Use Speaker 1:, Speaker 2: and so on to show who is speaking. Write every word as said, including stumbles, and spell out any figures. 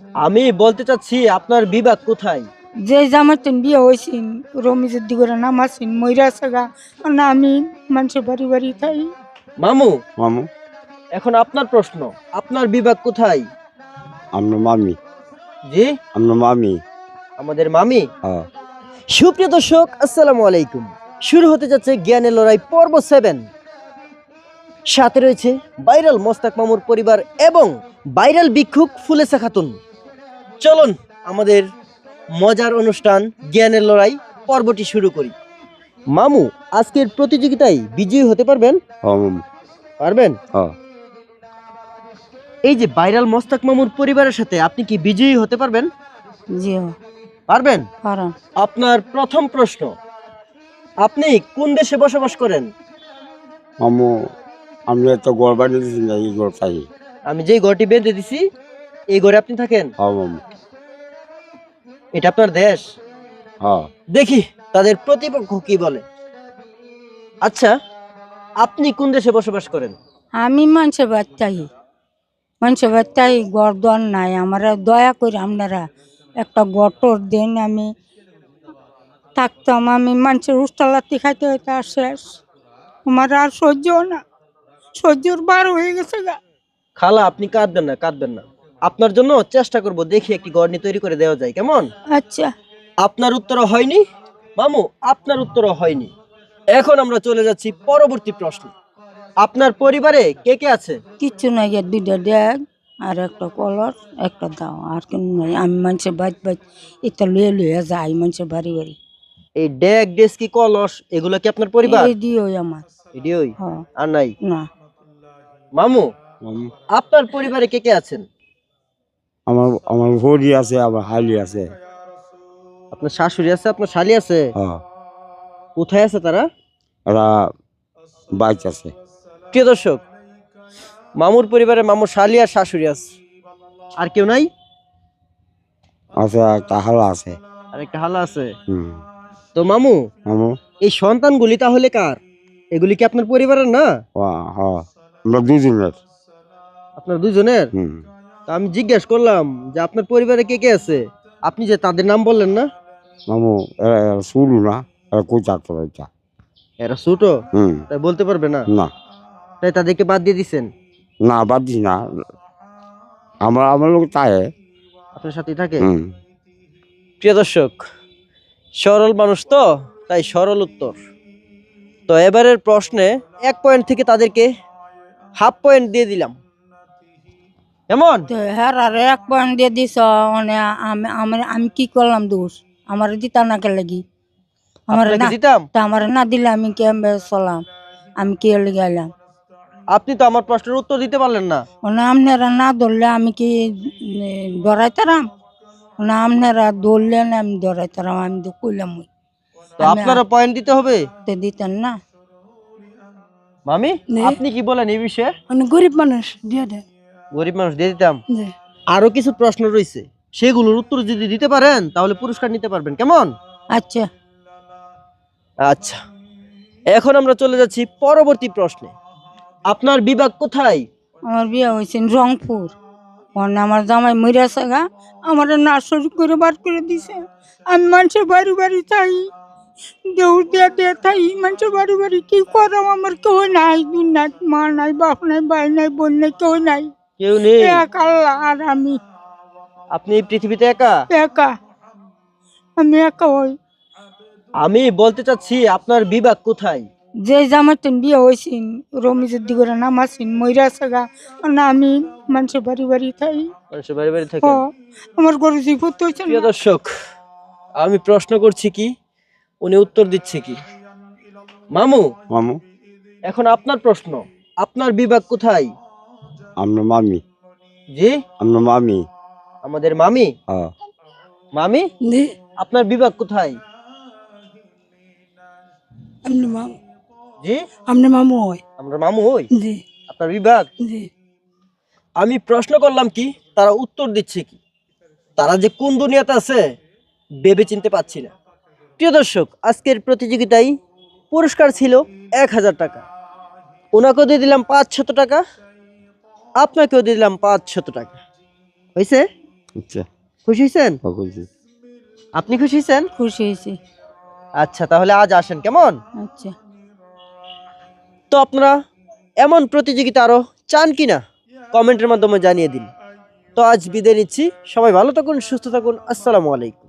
Speaker 1: আমি বলতে চাচ্ছি আপনার বিভাগ কোথায়?
Speaker 2: যে জামাইতেন বিয়ে হয়েছেন রমিজের দিকে নাম আছেন ময়রা সাগা না আমি মানুষের বাড়ি বাড়ি থাই।
Speaker 1: মামু,
Speaker 3: মামু
Speaker 1: এখন আপনার প্রশ্ন, আপনার বিভাগ কোথায়?
Speaker 3: আমরা মামি
Speaker 1: জি,
Speaker 3: আমরা মামি
Speaker 1: আমাদের মামি।
Speaker 3: হ্যাঁ
Speaker 1: সুপ্রিয় দর্শক, আসসালামু আলাইকুম। শুরু হতে যাচ্ছে জ্ঞানের লড়াই পর্ব সেভেন। সাথে রয়েছে ভাইরাল মোস্তাক মামুর পরিবার এবং ভাইরাল ভিক্ষুক ফুলেসা খাতুন। চলুন আমাদের মজার অনুষ্ঠান জ্ঞানের লড়াই পর্বটি শুরু করি। মামু, আজকের প্রতিযোগিতায় বিজয়ী হতে পারবেন?
Speaker 3: হ্যাঁ মামু
Speaker 1: পারবেন?
Speaker 3: হ্যাঁ
Speaker 1: এই যে ভাইরাল মোস্তাক মামুর পরিবারের সাথে আপনি কি বিজয়ী হতে পারবেন?
Speaker 2: জি
Speaker 1: পারবেন?
Speaker 2: পারান।
Speaker 1: আপনার প্রথম প্রশ্ন, আপনি কোন দেশে বসবাস করেন?
Speaker 3: মামু আমরা তো ঘর বানিয়েছি না এই ঘর চাই।
Speaker 1: আমি যেই ঘরটি বেঁধে দিছি এই ঘরে আপনি থাকেন?
Speaker 3: হ্যাঁ মামু
Speaker 1: এটা আপনার দেশ?
Speaker 3: হ্যাঁ
Speaker 1: দেখি তাদের প্রতিপক্ষ কি বলে। আচ্ছা, আপনি কোন দেশে বসবাস করেন?
Speaker 2: আমি মানুষের বাড়িতাই মানুষের বাড়িতাই গড় দর নাই আমার দয়া করে আপনারা একটা গটর দেন আমি থাকতাম। আমি মানুষের উষ্টালাতি খাইতে হইতে আর শেষ আমার আর সহ্য না, সহ্যর বার হয়ে গেছে গা।
Speaker 1: খালা, আপনি কাঁদবেন না, কাঁদবেন না। আপনার জন্য চেষ্টা করব, দেখি একটি গড়নি তৈরি করে দেওয়া যায়, কেমন?
Speaker 2: আচ্ছা
Speaker 1: আপনার উত্তরও হয়নি মামু, আপনার উত্তরও হয়নি। এখন আমরা চলে যাচ্ছি পরবর্তী প্রশ্ন। আপনার পরিবারে কে কে আছে?
Speaker 2: কিচ্ছু নাই গিয়ে দুইটা ড্যাগ আর একটা কলর একটা দাও আর কেন নাই। আমি মানুষের বাড়ি বাড়ি এটা লুয়ে লুয়ে যাই মানুষের বাড়ি বাড়ি।
Speaker 1: এই ডেক ডেস্কি কলস এগুলো কি আপনার পরিবার?
Speaker 2: এই দিও আমার।
Speaker 1: এডিওই
Speaker 2: হ্যাঁ
Speaker 1: আর নাই?
Speaker 2: না
Speaker 1: মামু,
Speaker 3: মামু
Speaker 1: আপনার পরিবারে কে কে আছেন?
Speaker 3: আমার আমার ভরি আছে আমার হালি আছে।
Speaker 1: আপনার শাশুড়ি আছে, আপনার শালি আছে?
Speaker 3: হ্যাঁ
Speaker 1: কোথায় আছে তারা?
Speaker 3: এরা বাইক আছে।
Speaker 1: প্রিয় দর্শক, মামুর পরিবারে মামুর শালি আর শাশুড়ি আছে, আর কেউ নাই?
Speaker 3: আছে একটা হালা আছে।
Speaker 1: আর একটা হালা আছে।
Speaker 3: হুম
Speaker 1: তো মামু,
Speaker 3: মামু
Speaker 1: এই সন্তানগুলি তাহলে কার? এগুলি কি আপনার পরিবারের না?
Speaker 3: হ্যাঁ হ্যাঁ আমরা দুজনের।
Speaker 1: আপনার দুজনের?
Speaker 3: হুম
Speaker 1: তো আমি জিজ্ঞেস করলাম যে আপনার পরিবারে কে কে আছে, আপনি যে তাদের নাম বললেন না।
Speaker 3: মামু এরা এরা শুরু না এরা কই চারটা এটা।
Speaker 1: এরা ছোট,
Speaker 3: হুম
Speaker 1: তাই বলতে পারবে না,
Speaker 3: না
Speaker 1: তাই তাদেরকে বাদ দিয়ে দিচ্ছেন।
Speaker 3: না বাদ দিস না আমার আমার লোক চায়।
Speaker 1: আপনার সাথেই থাকে।
Speaker 3: হুম
Speaker 1: প্রিয় দর্শক, সরল মানুষ তো, তাই সরল উত্তর। তো এবারের প্রশ্নে এক পয়েন্ট থেকে তাদেরকে হাফ পয়েন্ট দিয়ে দিলাম, কেমন?
Speaker 2: তো হ্যাঁ আর এক পয়েন্ট দিয়ে দিস মানে আমি আমার আমি কি করলাম দোষ? আমার দিতা না কে লাগি আমার
Speaker 1: আপনাকে
Speaker 2: না
Speaker 1: দিতাম?
Speaker 2: তা আমার না দিলে আমি কেমবে চলাম? আমি কে লেগে এলাম?
Speaker 1: আপনি তো আমার প্রশ্নের উত্তর দিতে পারলেন না।
Speaker 2: মানে আপনারা না ধরলে আমি কি ডরাইতারাম? না আপনারা ধরলেন আমি ডরাইতারাম? আমি তো কইলাম ওই
Speaker 1: তো আপনারও পয়েন্ট দিতে হবে।
Speaker 2: তো দিতেন না।
Speaker 1: মামি,
Speaker 4: নে।
Speaker 1: আপনি কি বলেন এই বিষয়ে?
Speaker 4: মানে গরিব মানুষ দিয়ে দেন।
Speaker 1: গরিব মানুষ দিয়ে দিতাম।
Speaker 4: জি।
Speaker 1: আরো কিছু প্রশ্ন রয়েছে, সেগুলোর উত্তর যদি দিতে পারেন তাহলে পুরস্কার নিতে পারবেন, কেমন?
Speaker 2: আচ্ছা
Speaker 1: আচ্ছা, এখন আমরা চলে যাচ্ছি পরবর্তী প্রশ্নে। আপনার বিভাগ কোথায়?
Speaker 2: আমার বিয়ে হয়েছে রংপুর। মানে আমার জামাই মরিয়া সাগা আমার নার্সারি করে বার করে দিছে। আমি মানুষের বাড়ি বাড়ি চাই দৌড় দিয়া দিয়ে থাই মানুষের বাড়ি বাড়ি। কি করাম? আমার কেউ নাই দুনিয়াত, মা নাই বাপ নাই ভাই নাই বোন নাই, কেউ নাই।
Speaker 1: কেউ নেই?
Speaker 2: এক আল্লাহ আর আমি
Speaker 1: আপনি এই পৃথিবীতে একা?
Speaker 2: একা। আমি একা হই।
Speaker 1: আমি বলতে চাচ্ছি আপনার বিভাগ কোথায়?
Speaker 2: যে জামাইতেন বিয়ে হয়েছেন রমিজের দিকে নাম আছেন ময়রা সাগা না আমি মানুষের বাড়ি বাড়ি থাই।
Speaker 1: মানুষের বাড়ি বাড়ি
Speaker 2: হ
Speaker 1: থাকেন?
Speaker 2: আমার গরু জীবত হয়েছে
Speaker 1: প্রিয় দর্শক, আমি প্রশ্ন করছি কি, উনি উত্তর দিচ্ছে কি। মামু,
Speaker 3: মামু
Speaker 1: এখন আপনার প্রশ্ন, আপনার বিভাগ কোথায়?
Speaker 3: আমরা মামি
Speaker 1: জি,
Speaker 3: আমরা মামি
Speaker 1: আমাদের মামি।
Speaker 3: হ্যাঁ
Speaker 1: মামি,
Speaker 4: জি।
Speaker 1: আপনার বিভাগ কোথায়?
Speaker 4: আপনি মামু
Speaker 1: জি,
Speaker 4: আপনি মামু হয়।
Speaker 1: আমরা মামু হই।
Speaker 4: জি
Speaker 1: আপনার বিভাগ?
Speaker 4: জি।
Speaker 1: আমি প্রশ্ন করলাম কি, তারা উত্তর দিচ্ছে কি। তারা যে কোন দুনিয়াতে আছে ভেবে চিনতে পারছি না। প্রিয় দর্শক, আজকের প্রতিযোগিতায় পুরস্কার ছিল এক হাজার টাকা। ওনাকেও দিয়ে দিলাম পাঁচ শত টাকা, আপনাকেও দিয়ে দিলাম পাঁচ শত টাকা। হয়েছে?
Speaker 3: আচ্ছা
Speaker 1: খুশি হয়েছেন?
Speaker 3: খুশি।
Speaker 1: আপনি খুশি হয়েছেন?
Speaker 2: খুশি হয়েছি।
Speaker 1: আচ্ছা তাহলে আজ আসেন কেমন?
Speaker 2: আচ্ছা।
Speaker 1: তো আপনারা এমন প্রতিযোগিতা আরো চান কিনা কমেন্টের মাধ্যমে জানিয়ে দিন। তো আজ বিদায় নিচ্ছি, সবাই ভালো থাকুন, সুস্থ থাকুন, আসসালামু আলাইকুম।